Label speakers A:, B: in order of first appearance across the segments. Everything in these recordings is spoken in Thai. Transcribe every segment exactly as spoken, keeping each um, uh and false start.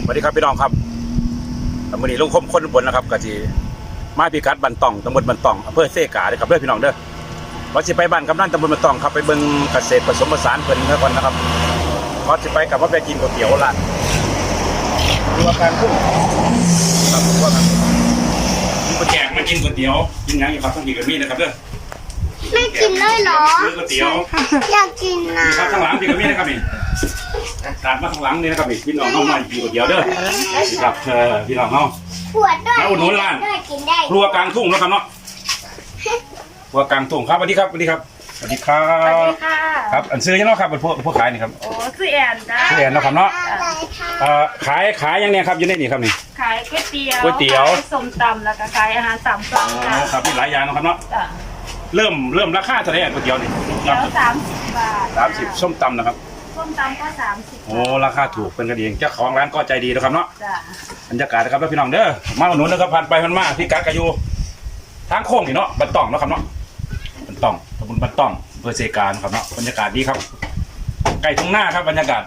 A: สวัสดีครับพี่น้องครับวันนี้ลุงคมคนบนนะครับกะจีมาพิกัดบันตองตำบลบันตองอำเภอเซกาเลยครับเพื่อนพี่น้องเด้อว่าจะไปบ้านกำนันตำบลบันตองครับไปเบิ่งเกษตรผสมผสานเพิ่นเท่ากันนะครับว่าจะไปกับว่าไปกินก๋วยเตี๋ยวร้านดูอาการพุ่งครับว่ากันมีคนแจกมากินก๋วยเตี๋ยวกินยังอยู่ครับต้องกินกับมีนะครับเด้อ
B: ไม่กินเลยเหรอ
A: ซื้อก๋วยเตี๋ยว
B: อยากกินนะครับ
A: ข้างหลังกินกับมีนะครับนี่ตามมาข้างหลังนี่นะครับนี่พี่น้องเข้ามากินก๋วยเตี๋ยวเด้อครับเออพี่น้องเฮา
B: ปวดด้วย
A: แล้วอุดหนุนร้าน
B: ด้วยกินได้
A: ครัวกลางทุ่งนะครับเนาะครัวกลางทุ่งครับสวัสดีครับสวัสดีครับสวัสดีครั
C: สวัส
A: บ
C: ดีค่ะ
A: ครับอันซื้อยังเนาะครับเป็นพวกพวกขายนี่ครับ
C: โอ้ชื่อแอนจ้า
A: ชื่อแอนเนาะครับเนาะ
B: อะไรคะ
A: เอ่อขายขายยังเนี่ยครับอยู่ในนี่ครับนี่
C: ขายก๋วยเตี๋ยว
A: ก๋วยเตี๋ยว
C: ขายส้มตำแล้วก็ขายอาหารสามสั่ง
A: อ๋
C: จ้า
A: อครับมีหลายอย่างเนาะครับเนาะ
C: จ้ะ
A: เริ่มเริ่มราคาเท่าไหร่ก๋วยเตี๋ยวนี่
C: เตี๋ยวสามสิบบาท
A: สามสิบส้มตำนะครับ
C: ส้มตำก็สามสิบ
A: โอ้ราคาถูกเป็นกันเองเจ้าของร้านก็ใจดีนะครับเนาะ
C: จ้ะ
A: บรรยากาศนะครับพี่น้องเด้อมาอุดหนุนนะครับผ่านไปผ่านมาพี่กัดกะยูทางโค้งนี่เนาะบันตองเนาะครับเนาะบันตองตำบลบันตองอำเภอเซกาครับเนาะบรรยากาศดีครับไก่ทุ่งหน้าครับบรรยากาศ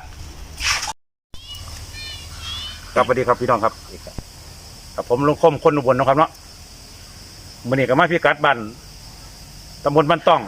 A: ครับสวัสดีครับพี่น้องครับกับผมลุงคมคนอุบลนะครับเนาะวันนี้ก็มาพี่กัดบ้านตำบลบันตอง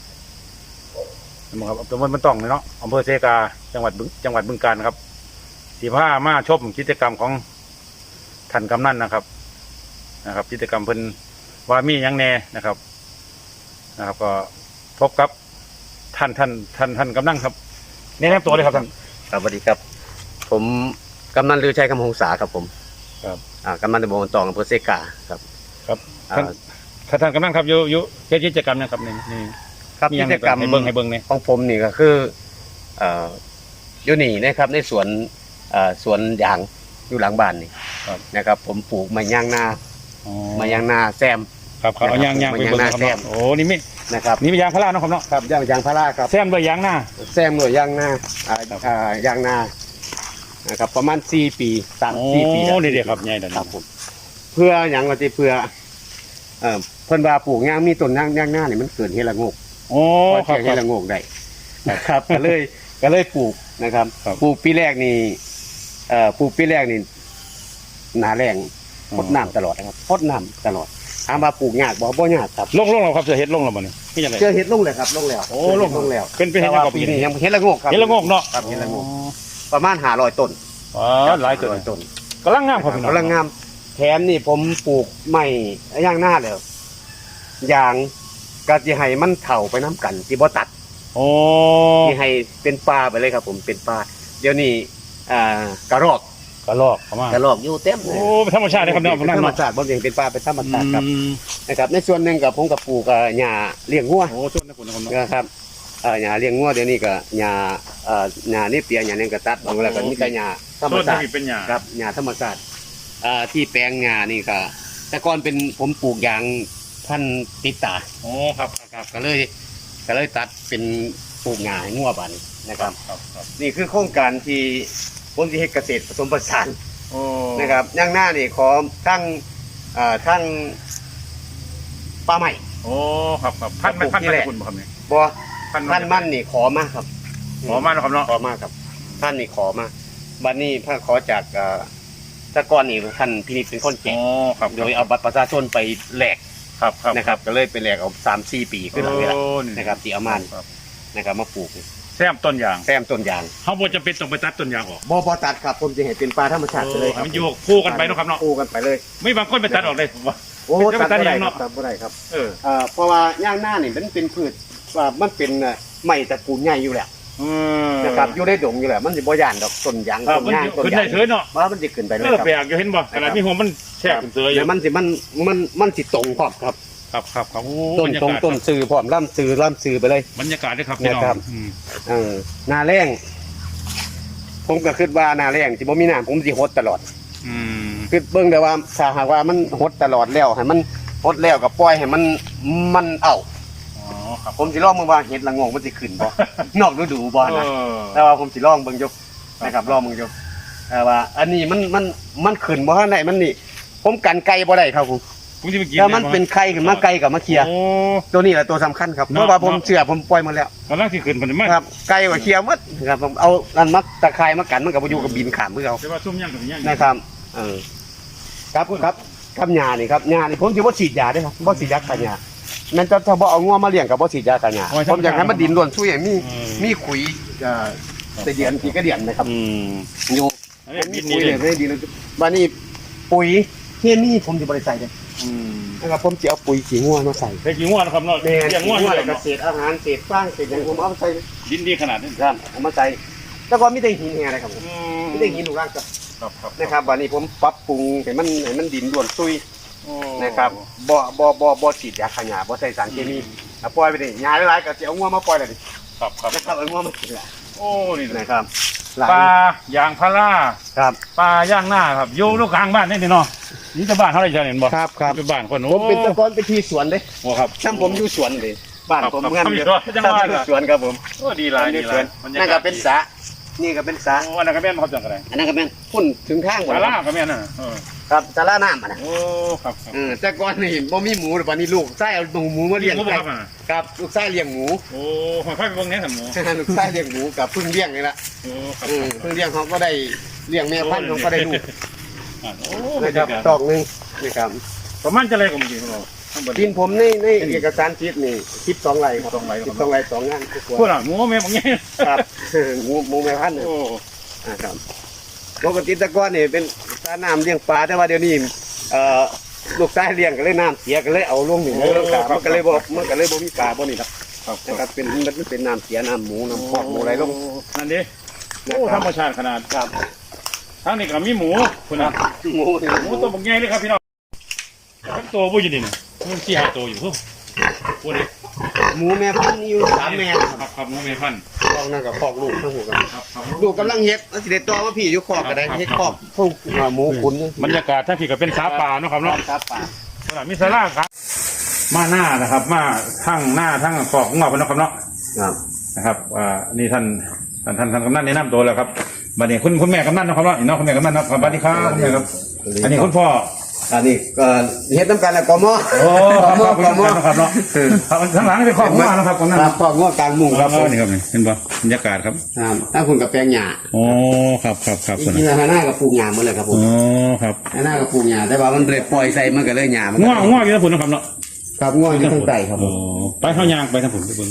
A: นะครับตำบลบันตองเนาะอำเภอเซกาจังหวัดบึงจังหวัดบึงกาฬครับที่ผ้ามาชมกิจกรรมของท่านกำนันนะครับนะครับกิจกรรมเพิ่นว่ามีหยังแน่นะครับนะครับก็พบกับท่านท่านท่านท่านกำนันครับแนะนำตัวเลยครับท่าน
D: ครับสวัสดีครับ ผมกำนันลือชัยคำหงษาครับผม
A: ครับ
D: อ่ากำนันตำบลตองอำเภอเซกาครับ
A: ครับ
D: อ่า
A: ท่านท่านท่านกำนันครับอยู่อยู่เฮ็ดกิจกรรมนะครับนี่นี่
D: ครับ
A: มีหยั
D: กิ
A: ง
D: จกรรม
A: ให้เบิ่งให้เบิ่งเนี่ย
D: ของผมนี่ก็คือเอ่ออยู่นี่นะครับในสวนเอ่อสวนยางอยู่หลังบ้านนี่นะครับ ผมปลูกมะยางนา
A: อ๋อ
D: มะยางนาแซม
A: ครับครับเอายางยางไปเบิ่งนะครับ
D: ยางหน้าแซม
A: เนาะโอ้นี่มี
D: นะครับ
A: นี่มียางพาราเนาะครับเนาะ
D: ครับยางยางพาราครับ
A: แซมด้วยยางหน้า
D: แซมหน่วยยางนาอ่า
A: ครับ
D: อ่ายางนานะครับประมาณสี่ปีสาม
A: โอ้
D: สี่ปีแล้ว
A: นี่เด็กครับใหญ่เด้อ
D: ครับผมเพื่ออย่างว่าที่เพื่อเอ่อเพิ่นว่าปลูกยางมีต้นยางยางหน้านี่มันเกิดเฮละโงก
A: โอ้
D: พอ
A: ครับ
D: เจอ
A: ค
D: เฮ
A: รับ
D: ละโงกได้นะครับก็เลยก็เลยปลูกนะครับ
A: ครับ
D: ปลูกปีแรกนี่เอ่อปลูกปีแรกนี่หนาแรงพดน้ำตลอดนะครับพดน้ำตลอดถามว่าปลูกยากบ่บ่ยากครับ
A: ลงลงแล้วครับเสือเฮ็ดลงแล้วบ่นี่นี่จังได๋
D: เจอเห็ดลงเลยครับลงแล้ว
A: โอ้
D: เจ
A: ลง
D: เห็ดลงแล้ว
A: เป็นเป็นเห็ด
D: แต่ว่า
A: ยังครับ
D: ปีนี้ยังเห็ดละโงกครับ
A: เฮ็ดละโงกเนาะ
D: ครับเห็ดละโงกประมาณห้าร้อยต้น
A: อ๋อหลายตัว
D: ร้อยต้น
A: กำลังงามครับพี่น้อง
D: กำลังงามแถมนี่ผมปลูกไม้ย่างหน้าแล้วยางก็จะให้มันเถ่าไปน้ำกันที่บ่ตัด
A: โอ้
D: ที่ให้เป็นป่าไปเลยครับ ผมเป็นป่าเดี๋ยวนี้อ่ากระรอก
A: กระลอกเข้ามาก
D: ระรอกอยู่เต็มเล
A: โอ้
D: ย
A: เป็นธรรมชาติเลยครับเนาะ
D: เป็นธรรมชาติบ่ยังเป็นป่าเป็นธรรมชาติครับ
A: อืม
D: นะครับ ในส่วนหนึ่งกับผมกับปลูกอ่าหญ้าเลี้ยงงัว
A: โอ้ชวนนะคุณนะครับเนาะ
D: นะครับเอ่อหญ้าเลี้ยงงัวเดี๋ยวนี้ก็หญ้าเอ่อหญ้านี่เปียหญ้านี่ก็ตัดบางแล้วก็มีแต่หญ้าธรรม
A: ต้น
D: ชาติ
A: ที่เป็นหญ้า
D: ครับหญ้าธรรมชาติอ่าที่แปลงหญ้านี่ก็แต่ก่อนเป็นผมปลูกยางพันธุ์ติดตา
A: โอ้ครับ
D: ครับก็เลยก็เลยตัดเป็นปลูกหญ้าให้งัวบาดนี้นะครับ
A: ครับครับ
D: นี่คือโครงการที่ผมที่เฮ็ดเกษตรผสมผสาน
A: โอ้
D: นะครับย่างหน้านี่ขอทั้งอ่าทั้งปลาใหม่
A: โอ้ครับครับพันมัน
D: ปลูก
A: พัน
D: ที่แหละ
A: คุณบ่ครับนี่
D: บ่
A: พัน
D: ท่านมั่นนี่ขอมาครับ
A: ขอมาเนาะครับเนาะ
D: ขอมาครับท่านนี่ขอมาบัดนี้พระขอจากอ่าแตะกอนนี่ท่านพินิจเป็นคนแจ
A: โอ้
D: ก
A: ครับ
D: โดยเอาบัตรประชาชนไปแลก
A: ครับครับ
D: นะครับ ก็เลยไปแลกเอาสามสี่ปีขึ้นหลังนี่แหละ
A: โอ้
D: นะครับที่เอามา
A: ครับ
D: นะครับมาปลูก
A: แซมต้นยาง
D: แซมต้นยาง
A: เขาบ่จะเป็นต้องไปตัดต้นยางออก
D: บ่บ่ตัดครับผมจะเห็นเป็นปลาธรรมชาติไปเลยครับ
A: มันอยู่คู่กันไปเนาะครับเนาะ
D: คู่กันไปเลย
A: ไม่บางคนไปตัดออกเลยผมว่า
D: โอ้
A: จะไป
D: ตัด
A: ตัด
D: บ่ได้
A: ยัง
D: ครั
A: เนาะ
D: บตัดบ่ได้ครับ
A: เออ
D: เอ่อเพราะว่าย่างหน้านี่มันเป็นพืชว่ามันเป็นเอ่อไม้ตระกูลใหญ่อยู่แล้ว
A: อืม
D: นะครับอยู่ในดงอยู่แล้วมันสิบ่ย่านดอกต้นยาง
A: ครับ
D: ต้น
A: มัน
D: ยางต้น
A: ขึ้น
D: ยา
A: ได้
D: ง
A: เฉยเนาะ
D: ว่ามันสิขึ้นไปเล
A: เอย อ
D: ครับ
A: แปลกอยู่เห็นบ่ขนาดมีหัวมันแช่ขึ้นเสืออ
D: เดี๋
A: ยู่
D: ยวมันสิมันมันมันสิตรงพร้อมครับ
A: ครับครับครับโอ้
D: ต้น
A: บรรยา
D: ตรง
A: กาศ
D: ต้นซื้อพร้อมล่ำซื้อล่ำซื้อไปเลย
A: บรรยากาศด้วยครับพี่น้อง
D: นะครับ
A: อืม
D: เออหน้าแรงผมก็คิดว่าหน้าแรงสิบ่มีน้ำผมสิหดตลอด
A: อืม
D: คือเบิ่งได้ว่าถ้าหากว่ามันหดตลอดแล้วให้มันหดแล้วก็ปล่อยให้มันมันเอา
A: อ๋อครับ
D: ผมสิลองมึงว่าเห็ดละโงงมันสิขึ้นบ่ นอกฤดูบ่นะ
A: เออ
D: แต่ว่าผมสิลองเบิ่งอยู่นะครับลองเบิ่งอยู่แต่ว่า อันนี้มันมันมันขึ้นบ่ทันได้มันนี่ ผมกันไก่บ่ได้ครับผม
A: อผมจะไปกิน
D: ถ้ามันเป็นไข่ขึ้นมาไก่กับมาเคลียร์
A: โอ้
D: ตัวนี้แหละตัวสำคัญครับ
A: เนาะ
D: เพราะว่าผมเชื่อผมปล่อยมาแล้ว
A: กำลังที่ขึ้นมันมา
D: ครับไก่กับเคลียร์หมดครับผมเอาอันมักตะไคร้มากันมันกับอยู่กับบินขามเพื่อเอา
A: แต่ว่าซุ่มย่างกับย่าง
D: นะครับเออครับครับครับยานี่ครับยานี่ผมจะว่าฉีดยาด้วยครับบ่ฉีดยากันยามันจะถ้าบ่เอางัวมาเลี้ยงกับบ่ฉีดยากันยาผมอยากให้มันดินล้วนช่วยมีมีขุยเอ่อแต่เดือนกี่ก็เดือนนะครับ
A: อืม
D: อยู่
A: อันนี้บิน
D: ปุ๋
A: นี่
D: ย
A: เล
D: เลย ยไม่ดีเลยบ้านนี้ปุ๋ยเคมีผมจะบริใส่เลย
A: อืม
D: นะครับผมจะเอาปุ๋ยขี้งัวมาใส่
A: เฮ้ยกี่งวดนะครับเนาะ
D: แม่
A: เลี้ยงงวด
D: ขี้งัว
A: เล
D: แล้
A: ยว
D: ก็
A: เนาะ
D: เศษอาหารเศษฟางเศษอย่างผมเอามาใส่
A: ดินดีขนาดนี้
D: ครับเอามาใส่แล้วก็มีแต่หินแห่อะไรครับผม
A: อืม
D: มีแต่หินลูกรักครับ
A: ครับครับ
D: นะครับวันนี้ผมปรับปรุงให้มันให้มันดินล้วนซุย
A: โอ้
D: นะครับบ่บ่บ่บ่ฉีดยาฆ่าหญ้าบ่ใส่สารเคมีอ่ะปล่อยไปดิหญ้าหลายๆก็สิเอางัวมาปล่อยเลยดิ
A: ครับครับ
D: นะครับเอางัวมากินละ
A: โอ้นี่นะ
D: นะครับหลาย
A: ปลายางพารา
D: ครับ
A: ปลาย่างหน้าครับอยู่ลูกกลางบ้านนี่นี่เนาะนี่จะบ้านเท่าไหร่จะเห็นบ่
D: ครับครับ
A: เป็นบ้านคน
D: ผ
A: โอ้
D: มเป็นตะกอนเป็นที่สวนเด้
A: โอ้ครับ
D: ช่างผมอยู่สวนเลยบ้าน
A: ครับ
D: ผม
A: ครับ
D: เงิน
A: ครับ
D: เยอะ
A: อยู่จังหวัด
D: อยู่สวนครับผม
A: โอ้ดีหลายดีหลายบรรยา
D: นั่น
A: กา
D: ก็
A: ศ
D: เป็นสระนี่ก็เป็นสระ
A: โอ้อันนั้นก็แม่นบ่ครับจังกะไร
D: อันนั้นก็เป็นพุ่นถึงข้างหมด
A: ปลา
D: แล้ว
A: ล่าก็แม่นน่ะเออ
D: ครับสาราน้ำอ่ะนะ
A: โอ้ครับครับ
D: เออแต่ก่อนนี่บ่มีหมูแต่วันนี้ลูกไส้เอาหมูมาเลี้ยง
A: หมูบ่
D: ไก่
A: ครับอ่ะ
D: ครับลูกไส้เลี้ยงหมู
A: โอ้หอยไฟไปเบิ่งแหน่ซั่นหมู
D: ลูกไส้เลี้ยงหมูกับเพึ่งเลี้ยงนี่ละ
A: โอ้ครับ
D: เออเพึ่งเลี้ยงเขาก็ได้เลี้ยงแม่พันธุ์เขาก็ได้ลูก
A: อ่ะโอ้
D: นะครับตอกหนึงนะครับ
A: ประมาณจะอะไรก็เมื่อกี้ของเราข้างบน
D: ดินผมในในเอกสารทิศนี่สิบสองไร่ครับ
A: สิบสองไร่ครับ
D: สิบสองไร่สองงานทุก
A: พู
D: ค
A: ด
D: น
A: อ่ะหมูแม่บางแง่
D: ครับหมูหมูแม่พันธุ์น่ะ
A: โอ้
D: นะครับปกติแตะก้อนนี่เป็นสระน้ำเลี้ยงปลาแต่ว่าเดี๋ยวนี้เอ่อลูกชายเลี้ยงก็เลยน้ำเสียก็เลยเอาลงนี่เลยลงกามันก็เลยบ่มันก็เลยบ่มีปลาบ่นี่ครับ
A: ครับ
D: นะครับเป็นมันเป็นน้ำเสียน้ำหมูน้ำพอกหมูอะไรลง
A: นั่นดิโอ้ธรรมชาติขนาด
D: ครับ
A: ทั้งนี้ก็มีหมูคุณนะ
D: หมูนี่
A: หมูตัวบางแง่เลยครับพี่น้องทั้งตัวผู้อยู่นี่นะมันสี่ห้าตัวอยู่พูดพูดดิ
D: หมูแม่พันธุ์นี่อยู่สามแม่
A: ครับครับหมูเมพันธุ์
D: พอกนั่นกับพอกลูกทั้งหัวกัน
A: ครับครับ
D: ลูกกำลังเฮ็ดแล้วสิได้ต่อมาพี่อยู่คอกก็ได้เฮ็ดคอกพวกหมูขุน
A: บรรยากาศถ้าพี่ก็เป็นสาป่าเนาะครับเนาะ
D: ครับป่า
A: ขนาดมีสาราครับ มาหน้านะครับ มาทั้งหน้าทั้งขอบของเราเป็นเนาะครับเนาะ
D: ครับ
A: นะครับอ่านี่ท่านท่านท่านท่านกำนันแนะนำตัวแล้วครับบัดนี้คุณคุณแม่กำนันนะครับเนาะอีน้องคุณแม่กำนันนะครับสวัสดีครับคุณแม่ครับอันนี้คุณพ่อ
D: อันนี้ก็เฮ็ดน้ำกันแล้วกม
A: โอ้
D: ก
A: ครับ
D: ม
A: ขอบคุณ
D: กม
A: นะครับเนาะครับข้างหลังนี่เป็นขอบของเรานะครับกำนัน
D: ครับคอกงอกกลางมุง
A: ค
D: ค
A: รั
D: รั
A: บบ นี่ครับนี่เห็นป่ะบรรยากาศครับ
D: ครับถ้าคุณกับแปลงหญ้า
A: โอ้ครับครับครับ
D: จริงๆแล้วหน้ากับปลูกหญ้าหมดเลยครับผม
A: โอ้ครับ
D: หน้ากับปลูกหญ้าแต่ว่ามันเลยปล่อยใส่มันก็เลยหญ้ามัน
A: ง่วงง่วงอยู่ทั้งผลนะครับเนาะ
D: ครับง่วงอยู่ทั้งใต้ครับผ
A: โอ้
D: ม
A: ไปเข้ายางไปทั้งผลทุกคน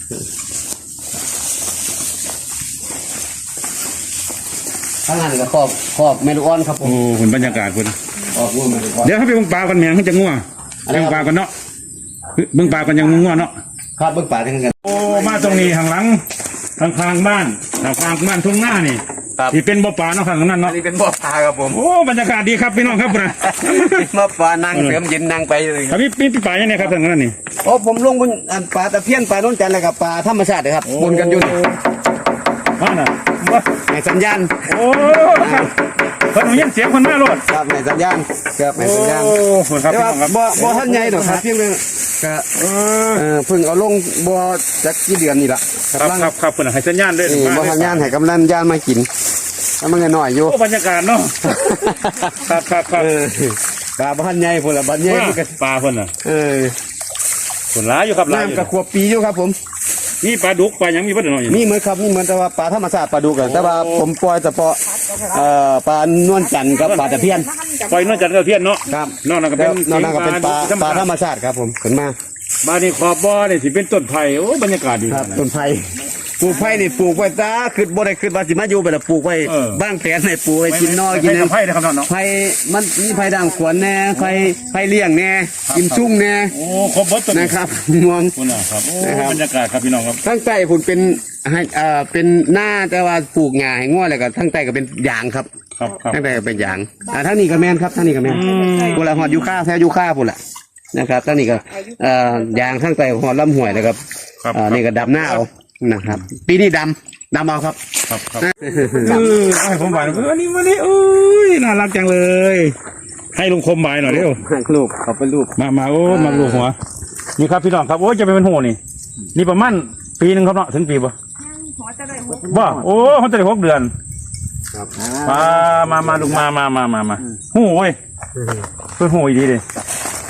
D: ข้างหน้านี่ก็ครอบครอบเมลูออนครับผม
A: โอ้ผลบรรยากาศคุณ
D: ครอบง่วงเมลูออน
A: เดี๋ยวเขาไปเบิ่งปลากันแมงเขาจะง่วง
D: อะไร
A: เบิ่
D: ครับ
A: งปลากันเนาะเบิ่งปลากันยังง่วงเนาะ
D: ครับเบิ่งป่าทั้งกัน
A: โอ้มาตรงนี้ข้างหลังข้างข้างบ้านข้างข้างบ้านทุ่งหน้านี่
D: ครับ
A: ที่เป็นบ่อปลาเนาะข้างนั้น
D: อั
A: เนาะ
D: นนี้เป็นบ่อปลาครับผม
A: โอ้บรรยากาศดีครับพี่น้องครับนะ
D: บ่อปลานั่งเสริมเย็นนั่งไปเลยค
A: ครั
D: รั
A: บบ พี่พี่ปลาอย่างนี้ครับทางนั้นนี่
D: โอ้ผมลงบนอันปลาตะเพียนปลาโน้นจันทร์เลยครับปลาธรรมชาติเลยครับบนกันอยู่นี่
A: ว่าน่ะว่า
D: ในสัญญาณ
A: โอ้ครับเพิ่นเอายินเสียงคนมาโลด
D: ครับในสัญญาณครับในสัญญาณ
A: โอ้คนครับ
D: แต่
A: พี่
D: ว่า
A: น้องครับ
D: บ่บ่ท่านใหญ่ดอกครับเพียงแต่ก็
A: เออ
D: เออเพิ่งเอาลงบ่จักกี่เดือนนี่ล่ะ
A: ครับครับครับเพิ่นให้สัญญาณด้วย
D: นี่บ่ทันญาณให้กำลังญาณมากินแล้วมันก็น้อยอยู่
A: โอ้บรรยากาศเนาะครับครับครับ
D: เออปลาบ่ทันใหญ่พุ่นล่ะบัดใหญ่มันก็
A: ปลาเพิ่นน่ะ
D: เออ
A: เพิ่นหลายอยู่ครับหลายอยู่
D: น้ำก็ขวบปีอยู่ครับผม
A: มีปลาดุกปลาหยังมีเพิ่นเนาะ
D: นี่เหมือนครับนี่เหมือนแต่ว่าปลาธรรมชาติปลาดุกอะแต่ว่าผมปล่อยเฉพาะเอ่อปลานวลจันทร์กับปลาตะเพียน
A: ปล่อยนอกจากเทียนเนาะ
D: ครับ
A: นอกนั้นก็
D: แล้
A: เป็
D: วน นอกนั้นก็เป็นปลาปลาธรรมชาติครับผมขึ้นมา
A: บ้านนี้ขอบบ่อนี่สิเป็นต้นไผ่โอ้บรรยากาศดี
D: ครับต้นไผ่ปลูกไผ่นี่ปลูกไว้ตาขึ้นบ่ได้ขึ้นว่าสิมาอยู่ไปแล้วปลูกไว้
A: เออ
D: บ้างแผนให้ปลูกไว้กินนอกิน
A: ไผ่
D: แหน
A: ไผ่นะครับเนาะ
D: ไผ่มันมีไผ่ด่างขวนแน่ไผ่ไผ่เลี้ยงแน่
A: ครับ
D: กิมชุ่งแน่
A: โอ้ครบเบิดต้น
D: นะครับงวง
A: คุณนะครับโอ้
D: นะครับ
A: บรรยากาศครับพี่น้องครับ
D: ทั้งใต้พุ่นเป็นให้เอ่อเป็นหน้าแต่ว่าปลูกหญ้าให้ง้อแล้วก็ทั้งใต้ก็เป็นยางครับ
A: ครับครับ
D: ทั้งใต้ก็เป็นยางอ่าทั้งนี้ก็แม่นครับทั้งนี้ก็แม่น
A: อืม
D: พุ่นละหอดยูค่าแท้ยูค่าพุ่นละนะครับทั้งนี้ก็เอ่อยางทั้งใต้หอดลำห้วยแล้วครับ
A: ครับ
D: อ่านี่ก็ดำหน้าเอานะครับ ปีนี้ดำดำเอาครับ
A: ครับครับเออเอาให้ผมบ่ายหน่อยอันนี้มานี่โอ้ยน่ารักจังเลย ให้ลุงคมบ่ายหน่อยเร็ว
D: รูปเขาเป็นรูป
A: มามาโอ้มาลูกหัวนี่ครับพี่น้องครับโอ้ยจะไปเป็นหัวนี่นี่ประมาณปีหนึงครับเนาะถึงปีบ่
C: หัวจะได้หก
A: บ่โอ้เขาจะได้หกเดือน
D: ครับ
A: มา มา มาลูกมา มา มา มา มาหูเว้ยเพื่อนหูอีดีเลย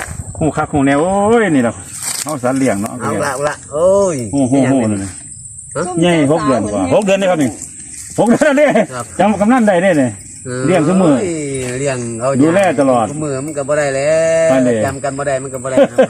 A: คู่คักคู่แนวโอ้ยนี่แหละเอาสารเลี้ยงเนาะ
D: เอาละเอาละโอ้ย
A: โอ้โหโหเลยใหญ่หกเดือนกว่าหกเดือนนี่ครับนี่หกเดือนนี่จำกำนันได้เนี่ยเนี่ยเลี้ยงทุกมือ
D: เลี้ยงเอา
A: ดูแลตลอด
D: ทุกมือมันก็บ่ได้แล้ว
A: ไปเลย
D: จำกันบ่ได้มันก็บ่ได้ครับ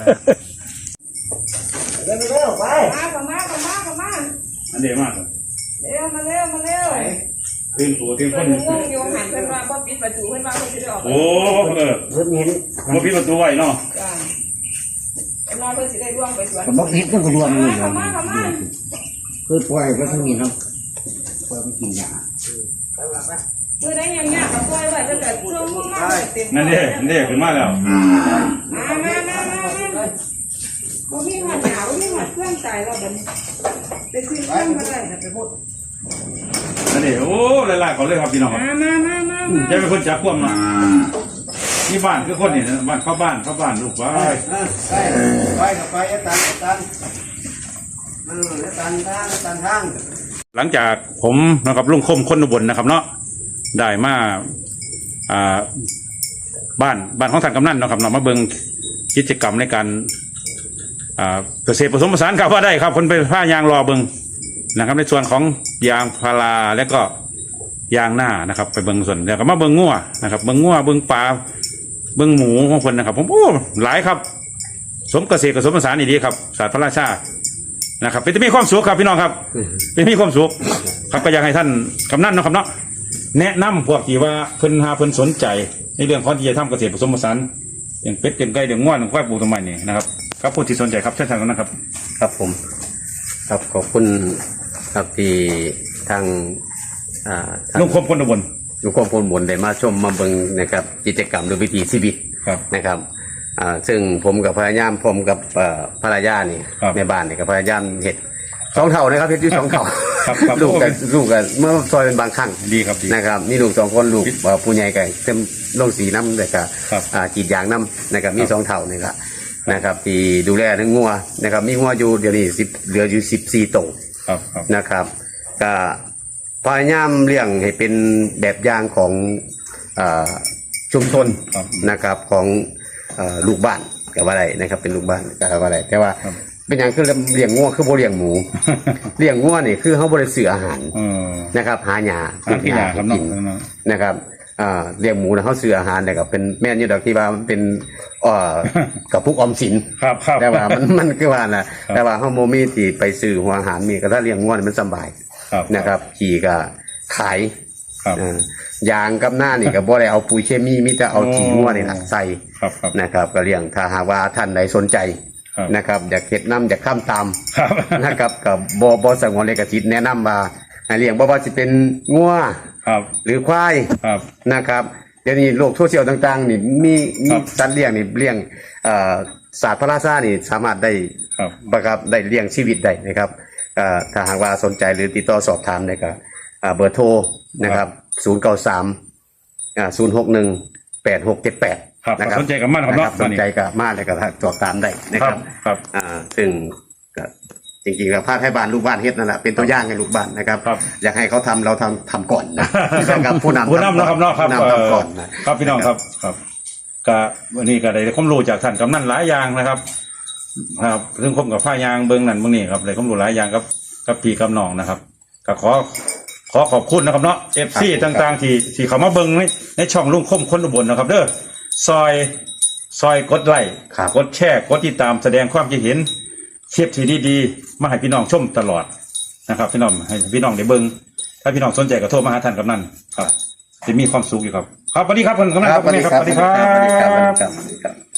D: เร็วเร็วไป
C: มาเข้ามาเข้ามาเข้ามา
A: อันเดียวมาก
C: เร็วมาเร็วมาเร็ว
A: ตื่นตัวตื่นค
C: เพิ่
A: น
C: นงงอยู่หันเพิ่นว่าบ่ปิดประตูเพิ่นว่าเพิ่นสิได้ออกไป
A: โอ้เออ
D: เพิ่นเห็น
A: มาพิดประตูไว้เนาะ
C: จ้าเพิ่นว่าเพิ่นสิได้ร่วงไปสวน
D: บ่ผิดมันก็รวมอยู่
C: เข้ามาเข้ามา
D: คือปล่อยก็ทั้งนี้เนาะปล่อยมันกินยา
C: มื้อใดยังยากก็ปล่อยไว้ตั้งแต่ช่วงมาเต็ม
A: นั่นเด้นั่นเด้ขึ้นมาแล้ว
C: มามามามามาบ่มีหัวหนาวบ่มีหัวเครื่องตายแล้วบัดนี้ไปซื้อเครื่องมาได้ไปหมด
A: นั่นเด้โอ้หลายๆเขาเลยครับพี่น้องครับ
C: มามามามามา
A: จะเป็นคนจับควมเนาะนี่บ้านคือคนนี่บ้านเข้าบ้านเข้าบ้านลูกไป
D: ไปไปกับไปไอ้ตันไอ้ตันเออไอ้ตันทางไอ้ตันทาง
A: หลังจากผมนะครับลุงคมคนอุบลนะครับเนาะได้มาอ่าบ้านบ้านของท่านกำนันเนาะครับเนาะมาเบิ่งกิจกรรมในการอ่าเกษตรผสมผสานครับว่าได้ครับคนไปผ้ายางรอเบิ่งนะครับในส่วนของยางพาราและก็ยางหน้านะครับไปเบิ่งส่วนแล้วก็มาเบิ่งงัวนะครับเบิ่งงัวเบิ่งปลาเบิ่งหมูของคนนะครับผมโอ้หลายครับสมเกษตรผสมผสานนี่ดีครับศาสตร์พระราชานะครับเป็นจะมีความสุขครับพี่น้องครับเป็นมีความสุขครับก็อยากให้ท่านกำนันเนาะครับเนาะแนะนำพวกที่ว่าเพิ่นหาเพิ่นสนใจในเรื่องของที่จะทำเกษตรผสมผสานอย่างเป็ดอย่างไก่อย่างง่วนอย่างควายปลูกต้นไม้นี่นะครับครับผู้ที่สนใจครับเช่นกันนะครับ
D: ครับผมครับขอบคุณครับที่ทางอ่าทาง
A: ลุงคมคนอุบล
D: ลุงคมพลบนได้มาชมมาเบิ่งนะครับกิจกรรมหรือวิถีชีวิต
A: ครับ
D: นะครับอ่าซึ่งผมกับภรรยาผมกับเอ่อภรรยานี่
A: ครับ
D: ในบ้านนี่กับภรรยาเห็ดสองเท่านะครับเห็ดอยู่สองเท่า
A: ครับครับ
D: ลูกกับลูกกับเมื่อซอยเป็นบางครั้ง
A: ดีครับดี
D: นะครับมีลูกสองคนลูกเอ่อผู้ใหญ่กับเต็มลงสีน้ำเลยกับ
A: ครับ
D: อ่ากรีดยางน้ำนะครับมีสองเท่านี่ครับนะครับที่ดูแลทั้งงัวนะครับมีงัวอยู่เดี๋ยวนี้สิบเหลืออยู่สิบสี่ตัว
A: ครับครับ
D: นะครับก็พยายามเลี้ยงให้เป็นแบบอย่างของเอ่อชุมชน
A: ครับ
D: นะครับของเอ่อลูกบ้านกับว่าอะไรนะครับเป็นลูกบ้านกับว่าอะไรแต่ว่า
A: ครับ
D: เป็นอย่างคือเลี้ยงงัวคือโบเลี้ยงหมู เลี้ยงงัวนี่คือเขาบริสื่ออาหาร
A: เออ
D: นะครับหาหญ้า
A: หาที่หาครับ
D: กิ
A: เนาะ
D: น
A: เนาะ
D: นะครับอ่าเลี้ยงหมูนะเขาซื้ออาหารแต่ก็เป็นแม่นอยี่ดอกที่ว่ามันเป็นเอ่อกับพุกออมสิน
A: ครับครับ
D: แต่ว่ามันมันคือว่านะแต่ว่าเขาโมมีที่ไปซื้อหัวอาหารมีก็ถ้าเลี้ยงงัวนี่มันสบาย
A: ครับ
D: นะครับขี่ก็ขาย
A: ครับ
D: อ่ายางกับหน้านี่ก็บ่ได้เอาปุ๋ยเคมีมิแต่เอาขี้งัวนี่นะใส่
A: ครับครับ
D: นะครับก็เลี้ยงถ้าหากว่าท่านใดสนใจ
A: ครับ
D: นะครับอยากเฮ็ดน้ำอยากข้ามตาม
A: ครับ
D: นะครับกับบ่บ่สงวนเลขสิทธิ์แนะนำว่าให้เลี้ยงบ่ว่าสิเป็นงัว
A: ครับ
D: หรือควาย
A: ครับ
D: นะครับเดี๋ยวนี้โลกโซเชียลต่างๆนี่มี
A: ค
D: มี
A: รับ
D: สัตว์เลี้ยงนี่เลี้ยงเอ่อศาสตร์พระราชานี่สามารถได้
A: ครับ
D: นะครับได้เลี้ยงชีวิตได้นะครับเอ่อถ้าหากว่าสนใจหรือติดต่อสอบถามได้ก็อ่าเบอร์โทรนะครับศูนย์เก้าสามอ่าศูนย์หกหนึ่งแปดหกเจ็ดแปด
A: ครับ
D: นะครับ
A: สนใจกับมันครับ
D: นะ
A: เนาะ
D: สนใจกับมาเลยก็สอบถามได้นะ
A: ค
D: ค
A: รั
D: รั
A: บบ ครับ
D: อ่าซึ่งก็จริงๆแล้วภาคให้บ้านลูกบ้านเฮ็ดนั่นแหละเป็นตัวอย่างให้ลูกบ้านนะครับ
A: ครับ
D: อยากให้เขาทำเราทำทำก่อนนะนะครับผู้นำ
A: ผู้นำเนาะครับเนาะครับ
D: ผู้นำทำก่อนนะ
A: ครับพี่น้องครับครับก็วันนี้ก็ได้ความรู้จากท่านกำนันหลายอย่างนะครับ ครับซึ่งผมกับผ้ายางเบิ้งนั่นเบิ้งนี่ครับได้ความรู้หลายอย่างกับกับพี่กับน้องนะครับก็ขอขอขอบคุณนะครับเนาะเอฟซีต่างๆที่ที่เขามาเบิ้งในในช่องลุงคมคนอุบลนะครับ เด้อซอยซอยกดไลค์
D: ครับ
A: กดแชร์กดติดตามแสดงความคิดเห็นเทียบที่ดีๆมาให้พี่น้องชมตลอดนะครับพี่น้องให้พี่น้องได้เบิ้งถ้าพี่น้องสนใจก็โทรมาหาท่านกำนันครับจะมีความสุขอยู่ครับครับสวัสดีครับคุณกำนันครับ
D: สวัสดีครับ
A: สวัสดีครั
D: สวัสดีครับสวัสดี
A: บ
D: ครับ